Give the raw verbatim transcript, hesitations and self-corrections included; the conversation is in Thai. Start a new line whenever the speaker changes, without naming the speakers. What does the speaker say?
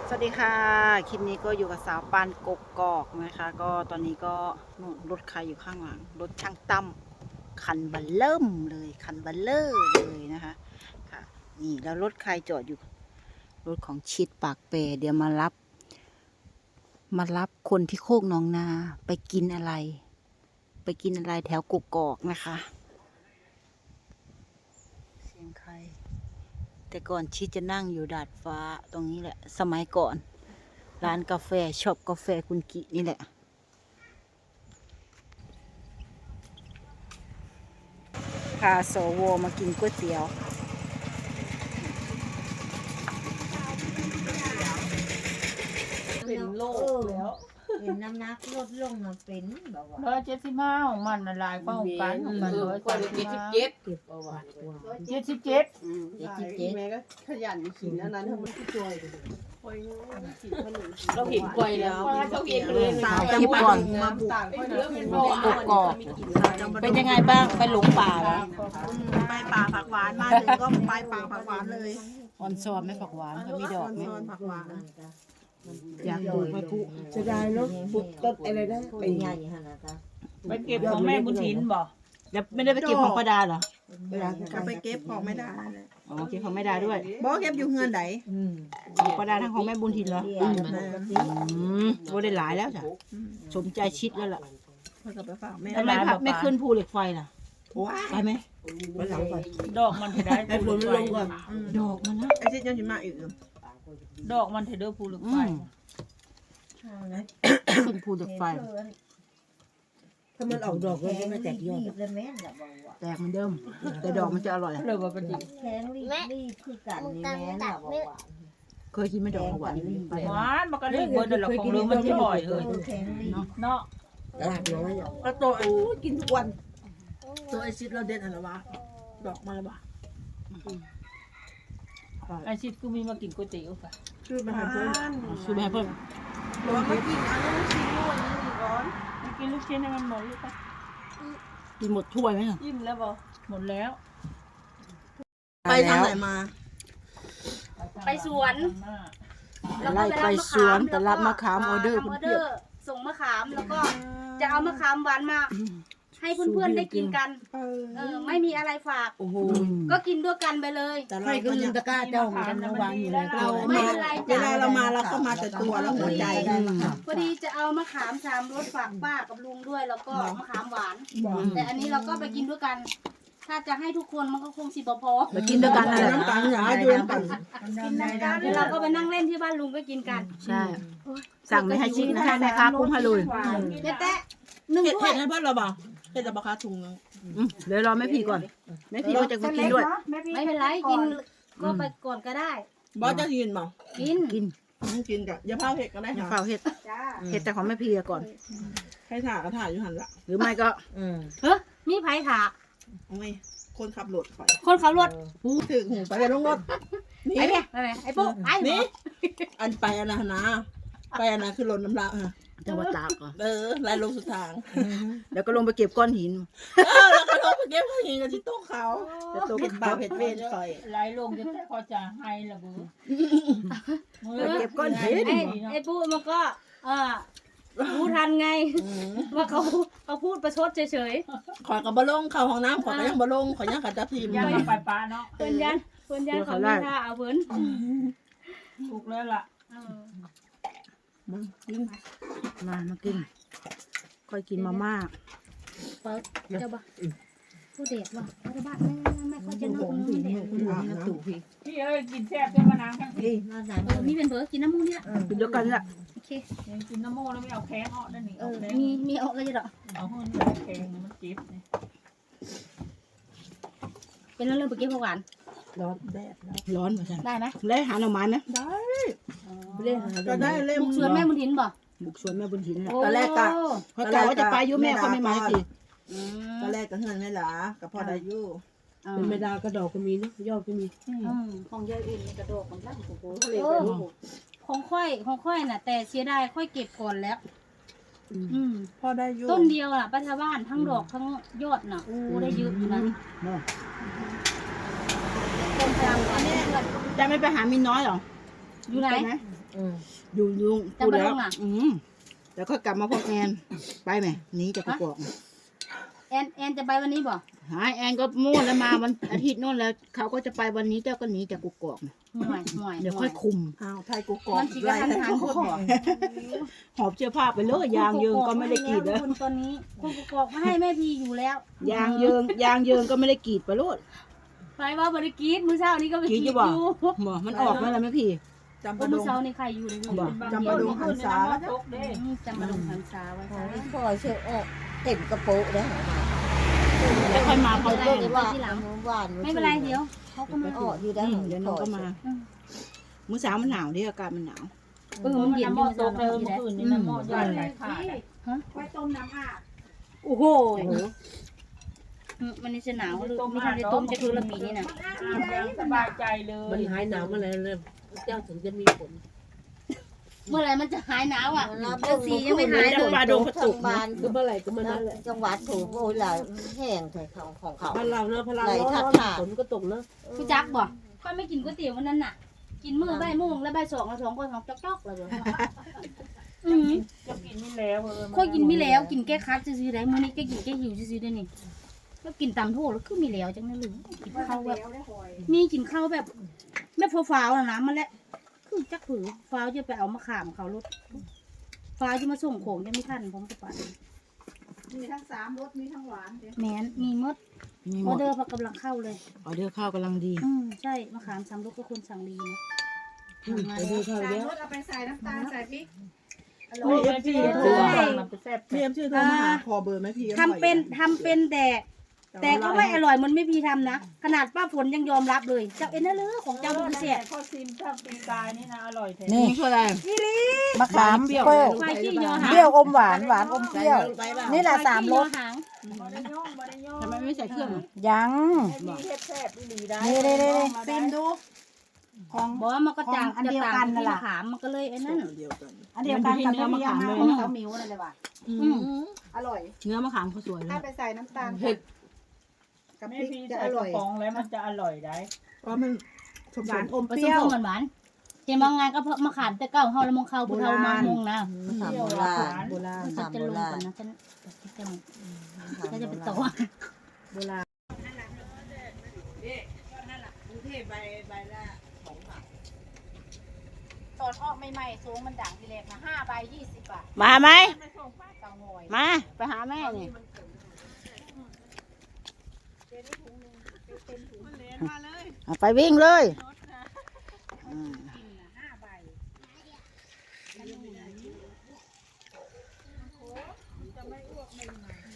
สวัสดีค่ะคลิปนี้ก็อยู่กับสาวปานกกกอกนะคะก็ตอนนี้ก็นู่นรถใครอยู่ข้างหลังรถช่างตั้มคันบัลเริ่มเลยคันบัลเลอร์เลยนะคะค่ะนี่แล้วรถใครจอดอยู่รถของชิดปากเปเดี๋ยวมารับมารับคนที่โคกหนองนาไปกินอะไร ไปกินอะไรแถวกกกอกนะคะเสียงใครแต่ก่อนชิดจะนั่งอยู่ดาดฟ้าตรงนี้แหละสมัยก่อนร้านกาแฟช็อปกาแฟคุณกินี่แหละพาโสวมากินก๋วยเตี๋ยว
เป็นโรคแล้วเห็นน้ำหนักลดลงมาเป็นแบบว่า
ร้อยเจ็ดสิบห้าของมันละลายป้องกันของมันร้อยเจ็ดสิบห้า
เจ็บประวัติว่า
เจ็ดสิบเจ็ด
เจ็ดสิบเจ็ด
แม่ก็ขยันขินอันนั้นทำมันก็ช่วยเรา
เราเห็นกล้วยแล้วเราเห็นเลย
เอาคลิปก่อน
มาบุกต่างค่อยนะ
กกอกเป็นยังไงบ้างไปหลงป่าเหรอ
ไปป่าผักหวานมาถึงก็ไปป่าผักหวานเลย
ออนซอนไหม่ผักหวานเขามีดอกไหม
ซอนผักหวาน
อยากดูไปผู้
จะได้รถบุกต้นอะไรนะ
เป็นใหญ่ขนาดนั้น
ไปเก็บของแม่บุญถินบ่
แล้วไม่ได้ไปเก็บของประดาเหรอ
ก็ไปเก็บของไม่ได้
อ๋อเก็บของไม่ได้ด้วย
บอกเก็บอยู่เงินไหน
อืม
ของประดาทั้งของแม่บุญทินเหรอ
เรียนมันก็สิ
อืมโอ้ได้หลายแล้วจ้ะสมใจชิดแล้วล่ะ
เพื่อไปฝากแม่
ทำไมพักไม่ขึ้นภูเหล็กไฟล่ะ
ว้า
ไปไหม
วันหลังก่อน
ดอกมันเถได้
ไอ้ฝนมันลงก่อน
ดอกมันนะ
ไอ้ที่ยังจะมาอีก
ดอกมันเถเด้อภูเหล็กไฟ
ขึ้นภูเหล็กไฟ
ถ้ามันออกดอกก็ไม่แตกยอด
รีบเลยแม่นละบอกว่า
แตกเหมือนเดิม แต่ดอกมันจะอร่อย
เลยว่าเป็นจริง
แข็งรีบรีบคือกันนี่แม่นละบอกว่า
เคยกินไหม่ดอกหวาน
หวานมันก็เรียกเบิร์ดเดอร์ละของเรื่องมันที่บ่อยเลย
แข็งรีบ
เนาะ
ตลาดน้อยก็ตัวโอ้กินทุกวัน ตัวไอซิดเราเด็ดอะไรวะดอกมาแล้ววะ
ไอชิดกูมีมากินก๋วยเตี๋ยวค่ะ
ชื่อมาหาเพื่อน
ซื้อมาให้เพิ่ม
บอกว่ากินอันนั้นชิ้นนู้นนี่ก่อน
มากินลูกชิ้นให้มันหมดลูกปะ
กินหมดถ้วยไหมอ่ะ
ยิ้มแล้วบ่หมดแล้ว
ไปทางไหนมา
ไปสวน
ไล่ไปสวนแต่รับมะขามออเดอร์
ทำอ
เพี
อย เด
บ
อร์ส่งมะขามแล้วก็จะเอามะขามหวานมา ให้เพื่อนๆได้กินกัน เออไม่มีอะไรฝาก
โอ้โห
ก็กินด้วยกันไปเลย
แต่เราก็ยังตะกร้าเจ้าเหมือนกันนะวางอยู่ในเรา
ไม่เป็นไร
เวลาเรามาเราก็มาแต่ตัวแล้วหัวใจ
พอดีจะเอามะขามสามรสฝากป้ากับลุงด้วย แล้วก็มะขามหวาน แต่อันนี้เราก็ไปกินด้วยกัน ถ้าจะให้ทุกคนมันก็คงสิบพอ
มากินด้วยกันนั่นแหละ
น้ำตาลหยาอยู่น้ำตาล
แล้วเราก็ไปนั่งเล่นที่บ้านลุงก็กินกัน
ใช่ สั่งไม่ให้ชิดนะให้แม่ค้าปรุงให้เลย
เจ๊แตะหนึ่ง
เห็ด
ถ้ว
เห็
ย
ดให้เพื่อนเราบ่าเห็ดแต่บาคาถุงนึง
อืมเดี๋ยวรอแม่พี่ก่อนแม่พี่ก็จะมากินด้วย
ไม่เป็นไรกินก็ไปก่อนก็ได้
บอสจะกินบ่
กิน
กิน
ไม่กินกับอย่าพาเห็ดก็ได้
อย่า
ค่ะ
เฝ้าเห็ด
จ้า
เห็ดแต่ของแม่พี่ก่อน
ให้ถ่ายก็ถ่ายอยู่หันละ
หรือไม่ก็
อืม
เฮ้ยมีไผ่ถาก
โอ้ยคนขับรถไป
คนขับรถ
พูดถึงหูไปเลยลงรถนี่
ไอ้เนี่ยไอ้ไอ้ปุ๊ไอ้
นี่อันไปอันนะนะไปอันนะคือลนน้ำลายฮะ
จังหวัดตากเหรอ
เออลายลงสุดทาง
แล้วก็ลงไปเก็บก้อนหิน
เออแล้วก็ลงไปเก็บหินกันที่โต๊ะเขาจะโต๊ะเห็ดบาเห็ดเวนคอย
ไหลลงจะแต่พอจะให้ละเบ้อ
ไปเก็บก้อนหิน
ไอ้ไอ้ปุ๊มันก็เออรู้ทันไง ว่าเขาเขาพูดประชดเฉย
ขอยกับบะลงเข้าห้องน้ำขอยก็ยังบะลงขอยยังกับตาพิมพ์
ย่างไปปลาเนาะ
ๆเพื่อนยันเพื่อนยันเขาไม่ท่าเอาเพื่อน
ถูกแล้วล่ะ
เออ
มากิน
มามากิน ค่อยกินมาม่า
เปิดเจ้าบ่ผู้เด็กว่ะรัฐบาลไม่ไม่ค่อยจะนึกมึงเด็ก
อาบน้ำ
พี่เอ้ยกินแซ่บเป็นมะนาวทั้งที
มาใส่
เออมีเป็นเบอร์กินน้ำมูกนี่แหละ
กินเดียวกันแหละ
โอเค
ยังกินน้ำโม่แล้วไม่เอาแข้งออกได้หนิ
เอ
เอา
อ
แข้ง
มีมีออกเลยจ้ะ
เอาหุ่นแข้งมันจิ๊บนี่
เป็นเรื่องเมื่อกี้พวกหวาน
ร้อนแดดแล้ว
ร้อนเหมือนกัน
ได้ไหม
แล้วหาหน่อไม้ไหม
ก็ได้เล่ม
บุกสวนแม่บุญถินบ่
บุกสวนแม่บุญถินแหละ
ตอนแรกก็
เขากล่าวว่าจะไปอยุ่แม่เขาไม่มาสิ
ตอนแรกก็เงินไม่หลากับพอได้อยู่
เป็นเมดากระดอกก็มีนะยอดก็มี
ของยายอุ่นกระโดดของร่างโอ้โหของค่อยของค่อยน่ะ แต่เสียดายค่อยเก็บก่อนแล้ว อืม
พอได้อยู่
ต้นเดียวน่ะปัทบ้านทั้งดอกทั้งยอดน่ะโอ้ได้เยอะอยู่นะต้นกลางอันนี้
จะไม่ไปหามินน้อยหรอ
อยู่ไหน
ปม
อืม
อยู่ยุง
จะ
พูด
มา
แล้
ล
ว
งอ่ะ
อืมแล้วก็กลับมาพร้อมแอนไปไหมหนีจากกกอก
แอนแอนจะไปวันนี้บ่
หายแอนก็มั่วแล้วมาวันอาทิตย์โน่นแล้วเขาก็จะไปวันนี้เจ้าก็หนีจากกกอก
ห่วยห่วย
เดี๋ยวค่อยคุม
อ้าวไทยกูกอก
มันสิกระทันหันคนบ่
หอบเสื้อผ้าไปเลยยางเยิงก็ไม่ได้กรีดแล้ว
คนตอนนี้คนกกอกมาให้แม่พีอยู่แล้ว
ยางเยิงยางเยิงก็ไม่ได้กรีดไปโลด
ไปว่าบริกีดมื้อเช้านี้ก็ไป
กรี
กี
ด
ด
จะ
อ
บอก
ยู่
บ่มันออกมาแล้วไหมพี่
จำ
โอ้
ปะด
มื้อง เช้านี่ใครอยู่เลย
บ่
จำปาดงหันษา
ตกเด้
นี่จำมาลงหันษาไว้
ขอ
ค่ะ
งพ่อเชื่อออกเต็มกระโปรงได้หรอ
แล้วค่อยมาพร้อม
ไม่
แป้
ได้
ง
ว่าหวาน
ไม่เป็นไรเดี๋ยวเขาก็มา
ออกอยู่ได้
อืมเดี๋ยวน้องก็มา
อืม
มื้อเช้ามันหนาวดิอากาศมันหนาว
เออมันเย็นอยู่
ต
มื้อก เช้า
เดิ
เนาะ
ม
พี่แหละ
คืนนี้น้ำหม้อย่อยไหลขาด
โอ้โหอืมมันนี่จะหนาวหรือไม่ทันได้ต้มจะคือละปีนี่น่ะ
สบายใจเลย
มันหายหนาวมาแล้วเลยเจ้าถึงจะมีผล
เมื่อไหร่มันจะหายหนาวอ่ะ
แล้ว
เดือนสี่ยังไม่หายเลย
ปลาดงทางบ้าน
คือเมื่อไหร่ก็เมื่อนั้นแหละ
จังหวัดถูกโอ้ยหลายแห้งใส่ของของเขา
บ้านเราเนอะพลัง
ไหล
ร้
ทัด
อน
ขาด
ฝนก็ตกเนอะ
พี่จักบ่ก็ไม่กินก๋วยเตี๋ยววันนั้นน่ะ กินมื้อใบายโมงแล้วใบายสองแล้วสองก็สองจอกๆเลยบ่อือ
จะกินไม่แล้วเออ
ค่อยกินไม่แล้วกินแก้คัดซื่อๆได้มื้อนี้ก็กินแก้หิวซื่อๆได้นี่แล้วกินตำโทษแล้วคือมีแล้วจังนั้นเลยกินข้าวแบบมีกินข้าวแบบแบบฟ้าวๆน่ะนะมันแหละคือจักผือฟ้าวจะไปเอามะขามเขารถฟ้าวจะมาส่งของยังไม่ทันผมจะไป
มีทั้งสามรสมีทั้งหวาน
แมนมีหมด
มีห
อ
ม
อ
ด
เดอร์พักกำลังเข้าเลย
ออเดอร์ข้าวกำลังดี
อืมใช่มะขามสามลูกก็ควรสั่งดีนะมา
ไป
แล้
ดู
ว
เท่าเนี้ย
เอาไปใส่น้ำตาลใส่พริก
โอ้ยพี่โทรมามันไปแซ่บ
พี่เอ็มชื่อโทรมาหาคอเบอร์ไหมพี่
ทำเป็นทำเป็นแต่แต่ก็ไม่อร่อยเหมันไม่พีทำนะขนาดป้าฝนยังยอมรับเลยเจ้าเอ็นน่ะเลยของเจ้าบุญเสีย
ข้าวซิมถ้าปีกายนี่นะอร่อยแท้
นี่คืออะไร
มะขาม
เปรี้ยว
เปรี้ยว
ไฟขี้ยอหาง
เปรี้ยวอมหวานหวานอมเปรี้ยว นี่แหละสามรส
ไฟขี้ยอหาง
บ่ได้ย่องบ่ได้ย่อง
ทำไมไม่ใส่เครื่องอ่ะ
ยัง
มีเฮ็ดแซ่บอีหลีได้
นี่นี่นี่
ซิมดู ของ
บอกว่ามันก็จาง
ของอัน
จะ
เดียว
ต่าง
กันนั่
ที่
นแหละ
มะขามมันก็เลยไอ้นั่น
เดียวกัน
อันเดียวกันกับที่เลี้ยงมาของเต้าหมิวนั่นเลยว่ะ
อืม
อร่อย
เนื้อมะขามเขาสวยเล
ถ้าย ไปใส่น้ำตาล
เผ็ด
กับพ
แม่
ริก
พี่
จะ
ใส่
อก
ระ
ร่อย
ป๋องแล้วมันจะอร่อยได้
เพราะมันสม
ห
ห
วาว
าน น
อม
ผ
เป
สม
รี้ยว
ผสมหวานๆเห็นบางงานก็เพาะมะขามแต่เก้าเฮาแล้วมงเข้าผู้เฒ่ามามงนะ
สามโบราณ
โบราณ
ฉัน
สาม
จะ
โบ
ลง
รา
ก่อ
ณ
นนะฉันจะฉันจะไป
โบ
ต่อ
ราณ
โบราณ
ตอนออกใหม่ๆสูงมันดังทีแรกนะห้าใบยี่สิบบาท
มาไหม
เตางอย
มาไปหาแม่นี่เอาไปวิ่งเลยอืม
ห้าใบ
อ